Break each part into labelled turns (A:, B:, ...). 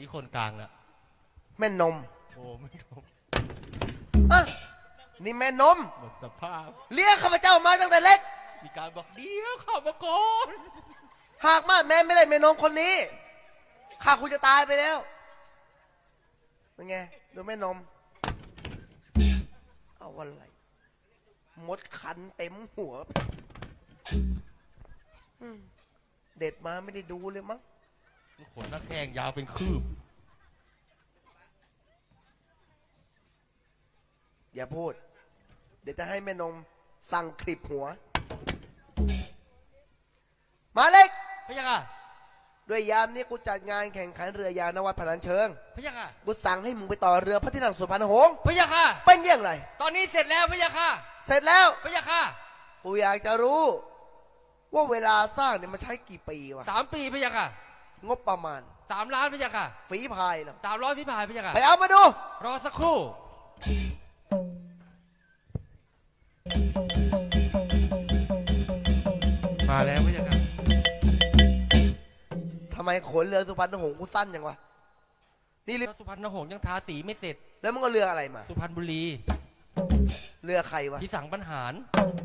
A: คนกลางน่ะ
B: แม่นม
A: โอ้ไม่นม
B: อ่ะนี่แม่นม
A: หมดสภาพ
B: เลี้ยงข้าพเจ้ามาตั้งแต่เล็ก
A: มีการบอกเดี๋ยวเข้ามาก่อน
B: หากมาแม่ไม่ได้แม่นมคนนี้ข้าคุณจะตายไปแล้วเป็นไงดูแม่นมเอาอะไรมดคันเต็มหัวเด็ดมาไม่ได้ดูเลยมั้ง
A: ขนหน้าแข้งยาวเป็นคืบ
B: อย่าพูดเดี๋ยวจะให้แม่นมสั่งคลิปหัวมาเล็ก
A: พะยะค่ะ
B: ด้วยยามนี้กูจัดงานแข่งขันเรือยาวนวัดพนัญเชิง
A: พะยะค่ะ
B: กูสั่งให้มึงไปต่อเรือพระที่นั่งสุพรรณหงษ์
A: พะยะค่ะ
B: เป็นอย่างไร
A: ตอนนี้เสร็จแล้วพะยะค่ะ
B: เสร็จแล้ว
A: พะยะค่ะ
B: กูอยากจะรู้ว่าเวลาสร้างเนี่ยมันใช้กี่ปีวะ
A: 3 ปีพะยะค่ะ
B: งบประมาณ
A: 3 ล้านพะยะค่ะ
B: ฝีพายเหรอ
A: 300ฝีพายพะยะค่ะ
B: ไปเอามาดู
A: รอสักครู่มาแล้วพะยะค่ะ
B: ทำไมขนเรือสุพรรณหงษ์กูสั้นอย่างวะนี่เรือ
A: สุพรรณหงษ์ยังทาสีไม่เสร็จ
B: แล้วมึงก็เรืออะไรมา
A: สุพรรณบุรี
B: เรือใครวะ
A: พี่สังบรรหาร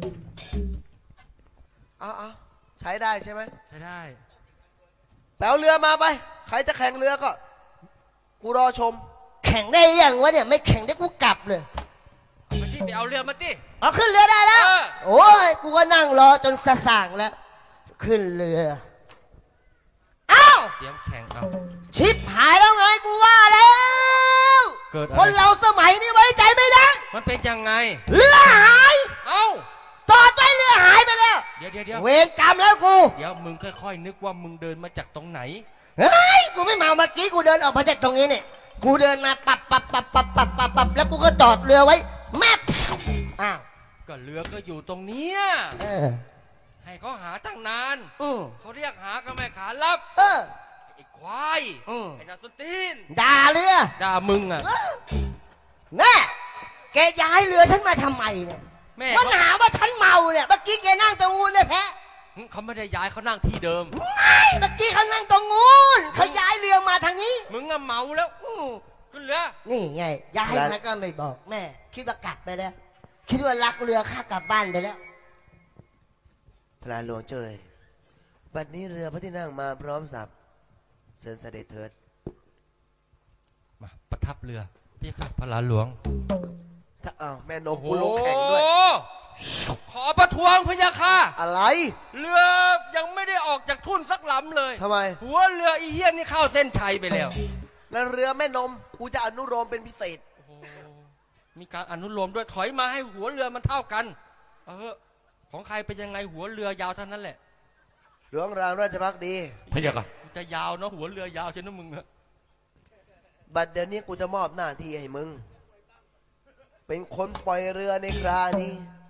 B: เอาใช้ได้ใช่ไหม
A: ใช้ได้
B: แปลเรือมาไปใครจะแข่งเรือก็กูรอชม
C: แข่งได้ยังวะเนี่ยไม่แข่งได้กูกลับเลย
A: เอามาที่ไปเอาเรือมาที่
C: เอาขึ้นเรือได้แล้วโอ้ยกูก็นั่งรอจนสะส่างแล้วขึ้นเรืออ้าว
A: เตรียมแข่งเอา
C: ชิปหายแล้วไงกูว่าแล้วคนเราสมัยนี้ไว้ใจไม่ได้
A: มันเป็นยังไง
C: เรือหาย
A: เอ้า
C: ตอดไปเรือหายไปแล้ว
A: เดี๋ยว
C: เวรกรรมแล้วกู
A: เดี๋ยวมึงค่อยๆนึกว่ามึงเดินมาจากตรงไหน
C: เฮ้ยกูไม่เมาเมื่อกี้กูเดินออกมาจากตรงนี้เนี่ยกูเดินมาปับแล้วกูก็จอดเรือไว้แม่อ้าว
A: ก็เรือก็อยู่ตรงเนี้ยให้เขาหาตั้งนานเขาเรียกหาก็ไม่ขารับไอ้ควายไอ้นาสตีน
C: ด่าเรือ
A: ด่ามึงอ่ะ
C: แม่แกย้ายเรือฉันมาทำไมเนี่ยมันหาว่าฉันเมาเนี่ยเมื่อกี้แกนั่งตรงนู้นเลยแพ้
A: เขาไม่ได้ย้ายเขานั่งที่เดิม
C: ไม่เมื่อกี้เขานั่งตรงนู้นเขาย้ายเรือมาทางนี้
A: มึงอะเมาแล้วขึ้นเรือ
C: นี่ไงย้ายมาก็ไม่บอกแม่คิดว่ากลับไปแล้วคิดว่ารักเรือข้ากลับบ้านไปแล้ว
B: พระหลวงเจยบัดนี้เรือพระที่นั่งมาพร้อมสับเชิญเสด็จเถิด
A: มาประทับเรือพี่ครับพระหลวง
B: ถ้าแม่นมกูลงแข่งด้วย
A: ขอประท้วงพะยะค่ะ
B: อะไร
A: เรือยังไม่ได้ออกจากทุ่นสักลำเลย
B: ทำไม
A: หัวเรืออีเหี้ยนนี่เข้าเส้นชัยไปแล้ว
B: แล้วเรือแม่นมกูจะอนุโลมเป็นพิเศษ
A: มีการอนุโลมด้วยถอยมาให้หัวเรือมันเท่ากันของใครเป็นยังไงหัวเรือยาวเท่านั้นแหละ
B: หลวงรามราชภักดี
A: พะยะค่ะจะยาวเนาะหัวเรือยาวใช่ไหมมึงอะ
B: บัดเดี๋ยวนี้กูจะมอบหน้าที่ให้มึงเป็นคนปล่อยเรือในครานี้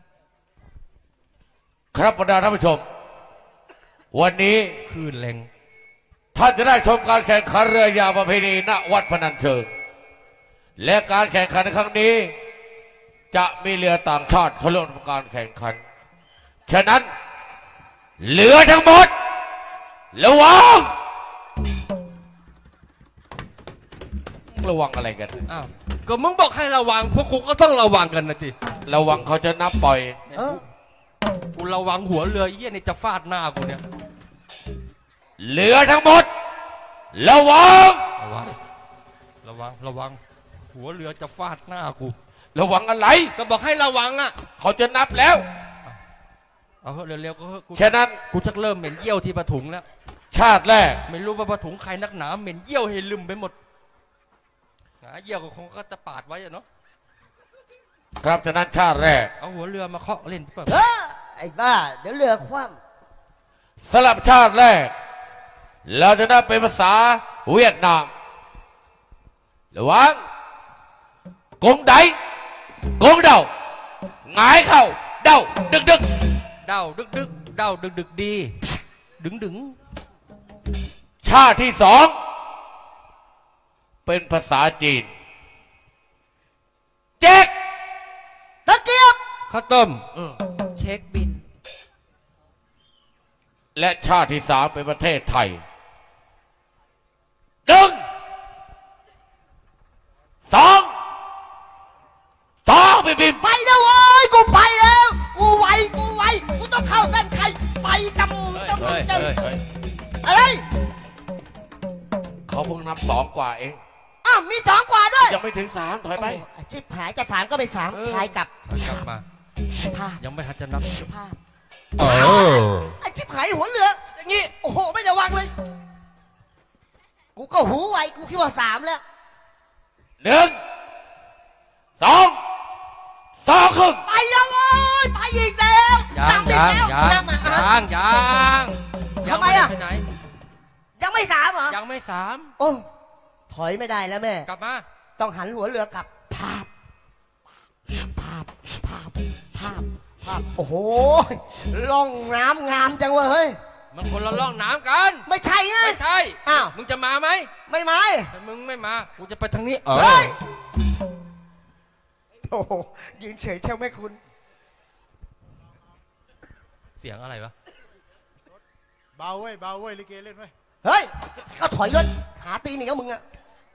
D: ครับบรรดาท่านผู้ชมวันนี้
A: คลื่นแรง
D: ท่านจะได้ชมการแข่งขันเรือยาวประเพณีณวัดพนัญเชิงและการแข่งขันครั้งนี้จะมีเรือต่างชาติเข้าร่วมการแข่งขันฉะนั้นเรือทั้งหมดระวังอะไรกัน
A: อ้าวก็มึงบอกให้ระวังพวกกูก็ต้องระวังกันนะจิ
D: ระวังเขาจะนับปล่อย
A: กูระวังหัวเรือเยี่ยนี่จะฟาดหน้ากูเนี่ย
D: เรือทั้งหมดระวัง
A: หัวเรือจะฟาดหน้ากู
D: ระวังอะไร
A: ก็บอกให้ระวังอ่ะ
D: เขาจะนับแล้ว
A: เอาเร็วๆก็
D: ฉะนั้น
A: กูชักเริ่มเหม็นเยี่ยวที่ปะถุงแล้ว
D: ชาติแรก
A: ไม่รู้ว่าปะถุงใครนักหนาเหม็นเยี่ยวให้ลืมไปหมดเยี่ยวก็คงก็จะปาดไว้เนาะ
D: ครับฉะนั้นชาติแรก
A: เอาหัวเรือมาเคาะเล่นเปล่า
C: ไอ้บ้าเดี๋ยวเรือคว่
D: ำสลับชาติแรกเราจะได้เป็นภาษาเวียดนามระวังกงไดกงเดาหงายเข่าเดาดึก
A: เดาดึกเดาดึกดีดึง
D: ชาติที่สองเป็นภาษาจีนเจ๊ก
C: ตะเกียบ
A: ข้าวต้ม
C: เช็คบิน
D: และชาติที่สามเป็นประเทศไทยดึงพิ่งนับสองกว่าเอง
C: อ้าวมีสองกว่าด้วย
D: ยังไม่ถึงสามถอยไป
C: โอ้ชิบหายจะสามก็ไปสาม
D: เออ
C: พายกลับ
A: กลับมา
C: ภาพ
A: ยังไม่ทันจะนับ
C: ภาพ
A: เออ
C: ไอ้ชิบหายหัวเรือ
A: อย่างงี้
C: โอ้โหไม่ระวังเลย กูก็หูไวกูคิดว่าสามแล้ว
D: หนึ่งสองครึ่ง
C: ไปแล้วเว้ยไปอีกแล้ว
A: ยัง
C: ตามไป
A: ยัง
C: แล้ว
A: ยัง
C: ตามมาอ่ะ
A: ยัง
C: ทำไมอะ
A: ไปไหน
C: ยังไม่สามเหรอ
A: ยังไม่สาม
C: โอ้ถอยไม่ได้แล้วแม่
A: กลับมา
C: ต้องหันหัวเรือกลับภาพภาพภาพภาพภาพโอ้โหล่องน้ำงามจังเว้ยเฮ้ย
A: มันคนละล่องน้ำกัน
C: ไม่ใช่ไง
A: ไม่ใช่
C: อ้าว
A: มึงจะมาไหม
C: ไม่ไหม
A: ถ้ามึงไม่มา กูจะไปทางนี้
C: เฮ้ยโอ้โหยืนเฉยเช่าไม่คุณ
A: เสียงอะไรวะ
E: เบาเว้ยเบาเว้ยลิเกเล่นไว้ย
C: เฮ้ยก็ถอยรถหาตีหนีกับมึงอะ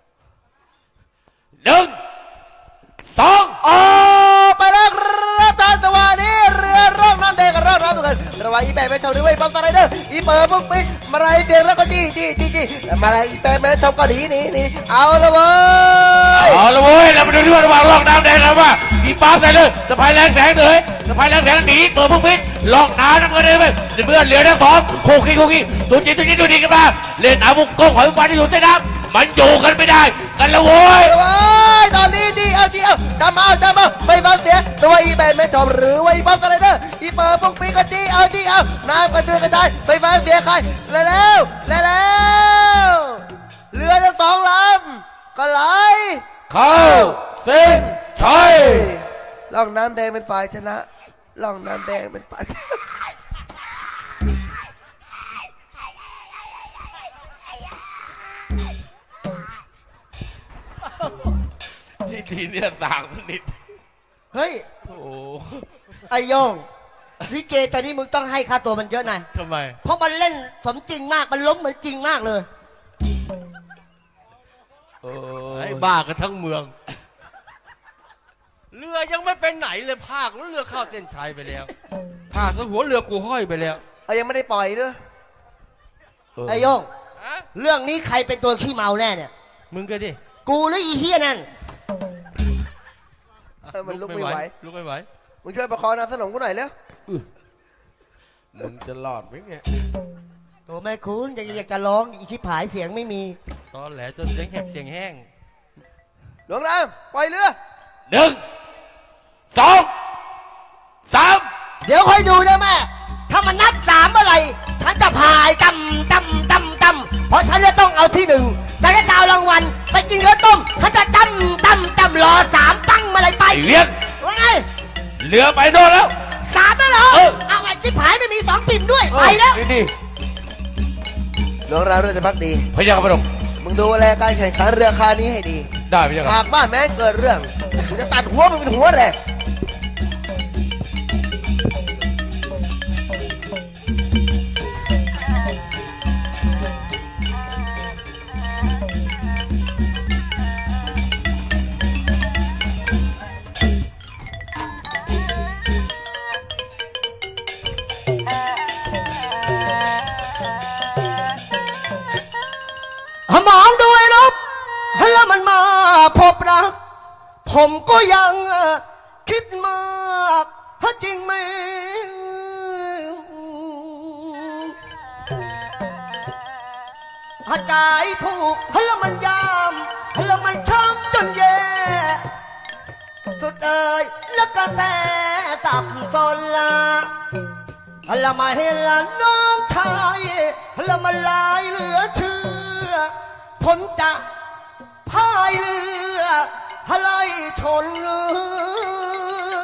D: หนึ่งสอง
B: ออกไปแล้วครับท่านจังหวะนี้เรือร่องน้ำแดงกับร่องน้ำเหมือนกันระหว่างอีแปะแม่ชมด้วยปั๊มตะไรเดอร์อีเปิดปุ๊บปิ๊กมาไรเดียวแล้วก็จี้มาไรอีแปะแม่ชมก็หนีเอาละเว้ย
D: เอาละเว้ยเรามาดูที่ว่าระหว่างลอกน้ำแดงกันว่ามีปาล์มใส่เลยสะพายแรงแสงเลยสะพายแรงแสงหนีเปิดพุ่งพิษลอกน้ำน้ำเงินเลยไปเพื่อนเหลือทั้งสองโคกี้ตัวจริงดูดีกันมาเล่นอาวุธกงหอยปลาที่อยู่ใต้น้ำมันอยู่กันไม่ได้กันละเว้ย
B: เอาไว้ตอนนี้ดีเอาจำเอาไม่ฟังเสียงตัวอีแบนไม่จบหรือว่าอีปั๊มสไลเดอร์อีเปิดปุ๊กปีกก็ดีเอาน้ำก็ช่วยกระจายไม่ฟังเสียงใครแล้วเรือทั้งสองลำก็ไหล
D: เข้าเส้นชัย
B: ล่องน้ำแดงเป็นฝ่ายชนะล่องน้ำแดงเป็นฝ่าย
D: ที่ทีเนี่ยต่างสนิท
C: เฮ้ย
A: โอ้โห
C: ไอโยงลิเกตอนนี้มึงต้องให้ค่าตัวมันเยอะหน่อย
A: ทำไม
C: เพราะมันเล่นสมจริงมากมันล้มเหมือนจริงมากเลย
A: ไอ้บ้ากันทั้งเมือง เรือยังไม่เป็นไหนเลยภาคแล้วเรือเข้าเส้นชัยไปแล้วภาคซะหัวเรือกูห้อยไปแล้ว
B: เอายังไม่ได้ปล่อยด้วย
C: ไอโยง
A: ฮะ
C: เรื่องนี้ใครเป็นตัวขี้เมาแน่เนี่ย
A: มึงก็ดิ
C: กูหรืออีเฮียนั่น
B: มันลุกไม่ไหว
A: ลุกไม่ไหว
B: มึงช่วยประคองนางสนมกูหน่อยเร็ว
D: มึงจะรอดไหมเนี่ย
C: ตัวแม่คุณอยากจะร้องอีชิบหายเสียงไม่มี
A: ตอนแหลจนเสียงแหบเสียงแห้ง
B: หลวงน้ำปล่อยเรือ
D: หนึ่งสองสาม
C: เดี๋ยวค่อยดูนะแม่ ถ้ามันนับสามเมื่อไหร่ฉันจะพายตำเพราะฉันจะต้องเอาที่หนึ่งฉันจะเอารางวัลไปกินเนื้อต้มฉันจะตำรอสามปังเมื่อไหร่ไป
D: ไอ้เลี้ยง
C: ว่าไง
D: เรือไปโน่นแล้ว
C: สามแล้วเหรอ
D: เออ
C: เอาไอ้ชิบหายไม่มีสองปิ่มด้วยไปแล้ว
D: นี่
B: หลวงเราเรือจะพักดี
D: พยากรณ์พระองค์
B: มึงดูแลการแข่งขันเรือคานี้ให้ดี
D: ได้พยากร
B: หาก
D: ณ์
B: บ้านแม้เกิดเรื่องกูจะตัดหัวมึงเป็นหัวแรก
C: มองด้วยลบแล้วมันมาพบรัก ผมก็ยังคิดมากจริงไหมหากใจถูกแล้วมันยามแล้วมันช้ำจนแย่ สุดเอ่ยแล้วก็แต่สับสนละแล้วมาเห็นละน้องชายแล้วมันลายเหลือเชื่อ ผมจะพายเรือไล่ชนเรือ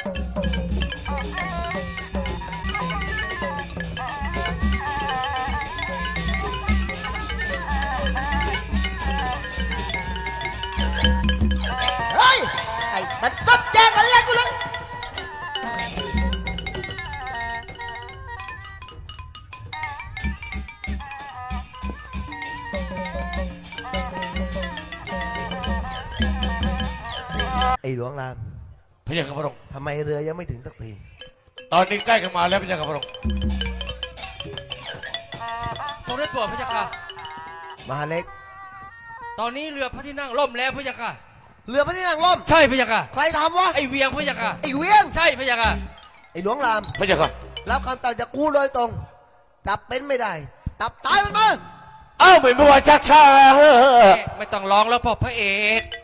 C: เฮ้ย ไอ้มันก็แจ้งกันแล้วกูเลย
B: ไอ้หลวงราม
D: พยากรณ์พระองค์
B: ทำไมเรือยังไม่ถึงสักที
D: ตอนนี้ใกล้เข้ามาแล้วพยากรณ์พระองค์
A: ทรงได้โปรดพระเจ้าค่ะ
B: มหาเล็ก
A: ตอนนี้เรือพระที่นั่งล่มแล้วพระยาค่ะ
B: เรือพระที่นั่งล่ม
A: ใช่พระยาค่ะ
B: ใครทำวะ
A: ไอเวียงพระยาค่ะ
B: ไอ้เวียง
A: ใช่พระยาค่ะ
B: ไอ้หลวงราม
D: พระเจ้าค่ะ
B: รับคำตัดจากกูโดยตรง จับเป็นไม่ได้ จับตายมันมา
D: เอ้าไม่ว่าชักช้า
A: ไม่ต้องร้องแล้วพ่อพระเอก